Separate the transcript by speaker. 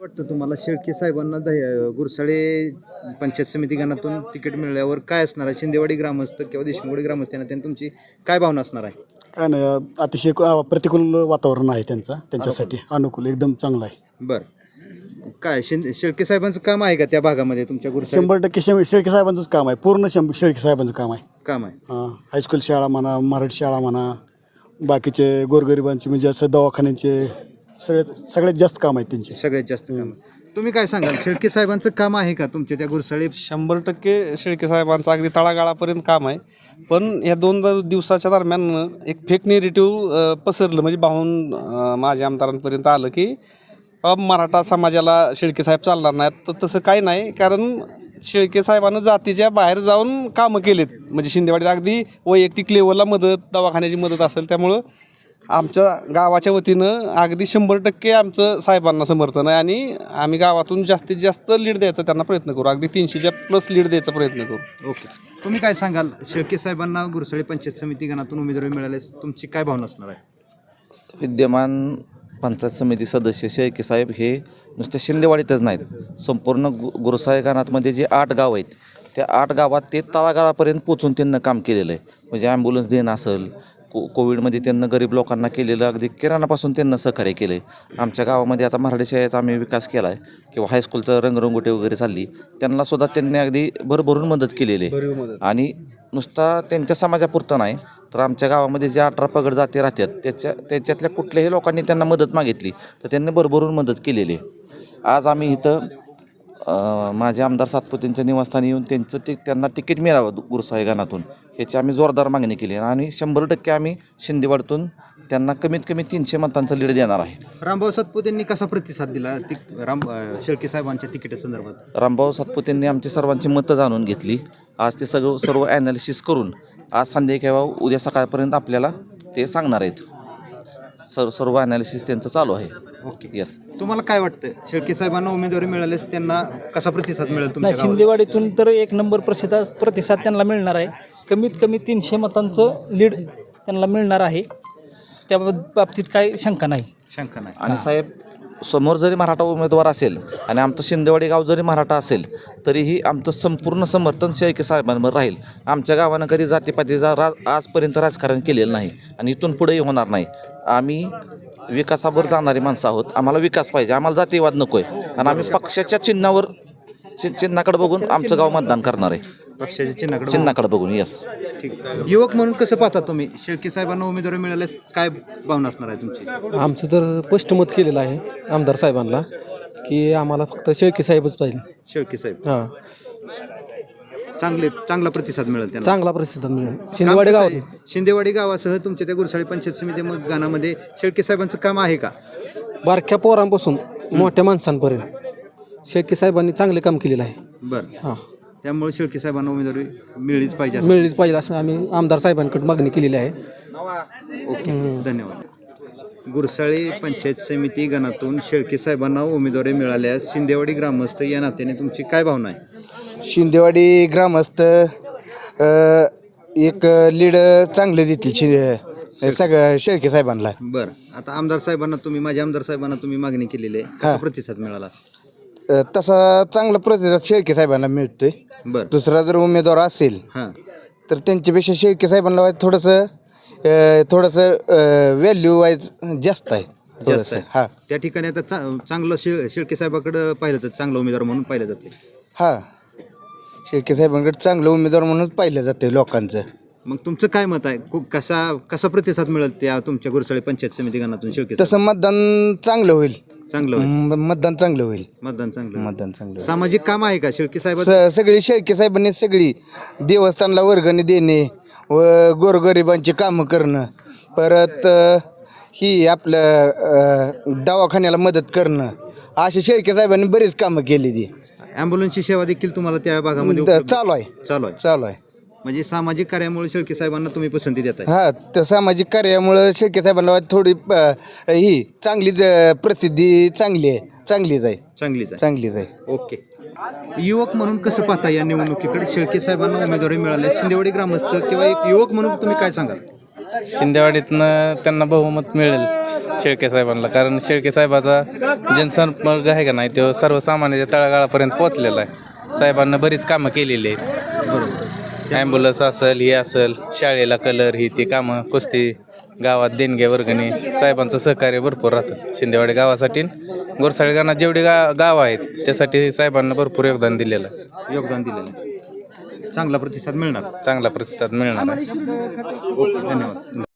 Speaker 1: वाटतं तुम्हाला शेळके साहेबांना गुरसाळे पंचायत समिती गणातून तिकीट मिळाल्यावर काय असणार आहे? शिंदेवाडी ग्रामस्थ किंवा देशमुखवाडी ग्रामस्थ यांना तुमची काय भावना असणार आहे?
Speaker 2: काय नाही, अतिशय प्रतिकूल वातावरण आहे त्यांच्यासाठी अनुकूल एकदम चांगलं आहे.
Speaker 1: बरं, काय शेळके साहेबांचं काम आहे का त्या भागामध्ये तुमच्या गुरसाळे?
Speaker 2: 100% शेळके साहेबांचंच काम आहे. पूर्ण शेळके साहेबांचं काम आहे.
Speaker 1: काम आहे.
Speaker 2: हायस्कूल शाळा म्हणा, मराठी शाळा म्हणा, बाकीचे गोरगरिबांचे म्हणजे असं दवाखान्यांचे सगळ्यात जास्त काम आहे त्यांचे.
Speaker 1: सगळ्यात जास्त काम. तुम्ही काय सांगाल, शेळके साहेबांचं काम आहे का तुमच्या त्या गुरसाळे?
Speaker 3: 100% शेळके साहेबांचं अगदी तळागाळापर्यंत काम आहे. पण या 2 दिवसाच्या दरम्यान एक फेक नेरेटिव्ह पसरलं, म्हणजे भाऊन माझ्या आमदारांपर्यंत आलं की मराठा समाजाला शेळके साहेब चालणार नाहीत. तर तसं काही नाही, कारण शेळके साहेबांना जातीच्या बाहेर जाऊन कामं केलेत. म्हणजे शिंदेवाडीत अगदी वैयक्तिक लेवलला मदत, दवाखान्याची मदत असेल. त्यामुळं आमच्या गावाच्या वतीनं अगदी 100% आमचं साहेबांना समर्थन आहे आणि आम्ही गावातून जास्तीत जास्त लीड द्यायचा त्यांना प्रयत्न करू. अगदी 300च्या प्लस लीड द्यायचा प्रयत्न करू.
Speaker 1: ओके, तुम्ही काय सांगाल, शेळके साहेबांना गुरसाळे पंचायत समिती गणातून उमेदवारी मिळाल्यास तुमची काय भावना असणार आहे?
Speaker 4: विद्यमान पंचायत समिती सदस्य शेळके साहेब हे नुसते शिंदेवाडीतच नाहीत, संपूर्ण गुरसाळे गणातमध्ये जे 8 गाव आहेत त्या 8 गावात ते तळागाळापर्यंत पोचून त्यांना काम केलेलं आहे. म्हणजे ॲम्ब्युलन्स देणं असेल, कोविडमध्ये त्यांना गरीब लोकांना केलेलं, अगदी किराणापासून त्यांना सहकार्य केलं आहे. आमच्या गावामध्ये आता मराठी शाळेचा आम्ही विकास केला आहे किंवा हायस्कूलचं रंगरंगोटी वगैरे चालली, त्यांनासुद्धा त्यांनी अगदी भरभरून मदत केलेली आहे. आणि नुसता त्यांच्या समाजापुरतं नाही, तर आमच्या गावामध्ये ज्या 18 पगड जाती राहतात त्याच्यातल्या कुठल्याही लोकांनी त्यांना मदत मागितली तर त्यांनी भरभरून मदत केलेली आहे. आज आम्ही इथं माझे आमदार सातपुतेंच्या निवासस्थानी येऊन त्यांना तिकीट मिळावं गुरसाळे गणातून याची आम्ही जोरदार मागणी केली आणि 100% आम्ही शिंदेवाडीतून त्यांना कमीत कमी 300 मतांचा लीड देणार आहे.
Speaker 1: रामभाऊ सातपुतेंनी कसा प्रतिसाद दिला शेळके साहेबांच्या तिकिटासंदर्भात?
Speaker 4: रामभाऊ सातपुतेंनी आमची सर्वांची मतं जाणून घेतली. आज ते सर्व ॲनालिसिस करून आज संध्याकाळी किंवा उद्या सकाळपर्यंत आपल्याला ते सांगणार आहेत. सर्व ॲनालिसिस त्यांचं चालू आहे.
Speaker 1: Okay,
Speaker 4: yes.
Speaker 1: तुम्हाला काय वाटतं, शेळके साहेबांना उमेदवारी मिळाल्यास त्यांना कसा प्रतिसाद मिळेल?
Speaker 5: नाही, शिंदेवाडीतून तर 1 नंबर प्रतिसाद त्यांना मिळणार आहे. कमीत कमी 300 मतांचं लीड त्यांना मिळणार आहे. त्या बाबतीत काही शंका नाही.
Speaker 4: आणि साहेब, समोर जरी मराठा उमेदवार असेल आणि आमचं शिंदेवाडी गाव जरी मराठा असेल तरीही आमचं संपूर्ण समर्थन शेळके साहेबांवर राहील. आमच्या गावानं कधी जातीपातीचा आजपर्यंत राजकारण केलेलं नाही आणि इथून पुढेही होणार नाही. आम्ही विकासावर जाणारी माणसं आहोत. आम्हाला विकास पाहिजे, आम्हाला जातीवाद नको आहे आणि आम्ही पक्षाच्या चिन्हाकडे बघून आमचं गाव मतदान करणार आहे.
Speaker 1: पक्षाच्या
Speaker 4: चिन्हाकडे बघून. यस.
Speaker 1: ठीक. युवक म्हणून कसं पाहता तुम्ही, शेळके साहेबांना उमेदवारी मिळाल्यास काय भावना असणार आहे तुमची?
Speaker 6: आमचं तर स्पष्ट मत केलेलं आहे आमदार साहेबांना की आम्हाला फक्त शेळके साहेबच पाहिजे.
Speaker 1: शेळके साहेब.
Speaker 6: हां,
Speaker 1: चांगला प्रतिसाद मिळेल त्यांना.
Speaker 6: चांगला प्रतिसाद मिळेल. शिंदेवाडी गावात
Speaker 1: शिंदेवाडी गावासह तुमच्या त्या गुरसाळे पंचायत समिती गणामध्ये शेळके साहेबांचं काम आहे का?
Speaker 6: बारक्या पोरांपासून मोठ्या माणसांपर्यंत शेळके साहेबांनी चांगले काम केलेलं आहे.
Speaker 1: बरं,
Speaker 6: हां,
Speaker 1: त्यामुळे शेळके साहेबांना उमेदवारी मिळलीच पाहिजे.
Speaker 6: मिळलीच पाहिजे असं आम्ही आमदार साहेबांकडे मागणी केलेली आहे.
Speaker 1: ओके, धन्यवाद. गुरसाळे पंचायत समिती गणातून शेळके साहेबांना उमेदवारी मिळाल्यास शिंदेवाडी ग्रामस्थ या नात्याने तुमची काय भावना आहे?
Speaker 7: शिंदेवाडी ग्रामस्थ एक लीड चांगले देतील सगळ्या शेळके साहेबांना.
Speaker 1: बरं, आता आमदार साहेबांना माझ्या आमदार साहेबांना तुम्ही मागणी केलेली आहे, कसा प्रतिसाद मिळाला?
Speaker 7: तसा चांगला प्रतिसाद शेळके साहेबांना मिळतोय.
Speaker 1: बरं,
Speaker 7: दुसरा जर उमेदवार असेल तर त्यांच्यापेक्षा शेळके साहेबांना थोडंसं व्हॅल्यू वाईज जास्त आहे. हां,
Speaker 1: त्या ठिकाणी आता चांगलं शेळके साहेबाकडे पाहिलं तर चांगला उमेदवार म्हणून पाहिलं जाते.
Speaker 7: हां, शेळके साहेबांकडे चांगलं उमेदवार म्हणून पाहिलं जाते लोकांचं.
Speaker 1: मग तुमचं काय मत आहे, कसा प्रतिसाद मिळेल त्या तुमच्या गुरसाळे पंचायत समिती गणातून शेळके?
Speaker 7: तसं मतदान चांगलं होईल.
Speaker 1: मतदान चांगलं
Speaker 7: होईल.
Speaker 1: सामाजिक काम आहे का शेळके साहेब?
Speaker 7: सगळी शेळके साहेबांनी सगळी देवस्थानला वर्गणी देणे व गोरगरिबांची कामं करणं, परत ही आपलं दवाखान्याला मदत करणं, अशी शेळके साहेबांनी बरीच कामं केली. ती
Speaker 1: ॲम्ब्युलन्सची सेवा देखील तुम्हाला त्या भागामध्ये
Speaker 7: चालू आहे.
Speaker 1: म्हणजे सामाजिक कार्यामुळे शेळके साहेबांना तुम्ही पसंती देताय?
Speaker 7: हां, त्या सामाजिक कार्यामुळे शेळके साहेबांना थोडी ही चांगली प्रसिद्धी चांगलीच आहे.
Speaker 1: ओके, युवक म्हणून कसं पाहता या निवडणुकीकडे? शेळके साहेबांना उमेदवारी मिळाल्या, शिंदेवाडी ग्रामस्थ किंवा एक युवक म्हणून तुम्ही काय सांगाल?
Speaker 8: शिंदेवाडीतनं त्यांना बहुमत मिळेल शेळके साहेबांना, कारण शेळके साहेबाचा जनसंपर्क आहे का नाही तो सर्वसामान्याच्या तळागाळापर्यंत पोहोचलेला आहे. साहेबांना बरीच कामं केलेली आहेत. ॲम्ब्युलन्स असेल, हे असेल, शाळेला कलर, ही ती कामं, कुस्ती, गावात देणगे वर्गणी, साहेबांचं सहकार्य भरपूर राहतं शिंदेवाडी गावासाठी. गोरसाळी गावात जेवढी गाव आहेत त्यासाठी साहेबांना भरपूर योगदान दिलेलं आहे.
Speaker 1: योगदान दिलेलं चांगला प्रतिसाद मिळणार.
Speaker 8: चांगला प्रतिसाद मिळणार आहे.
Speaker 1: ओके, धन्यवाद.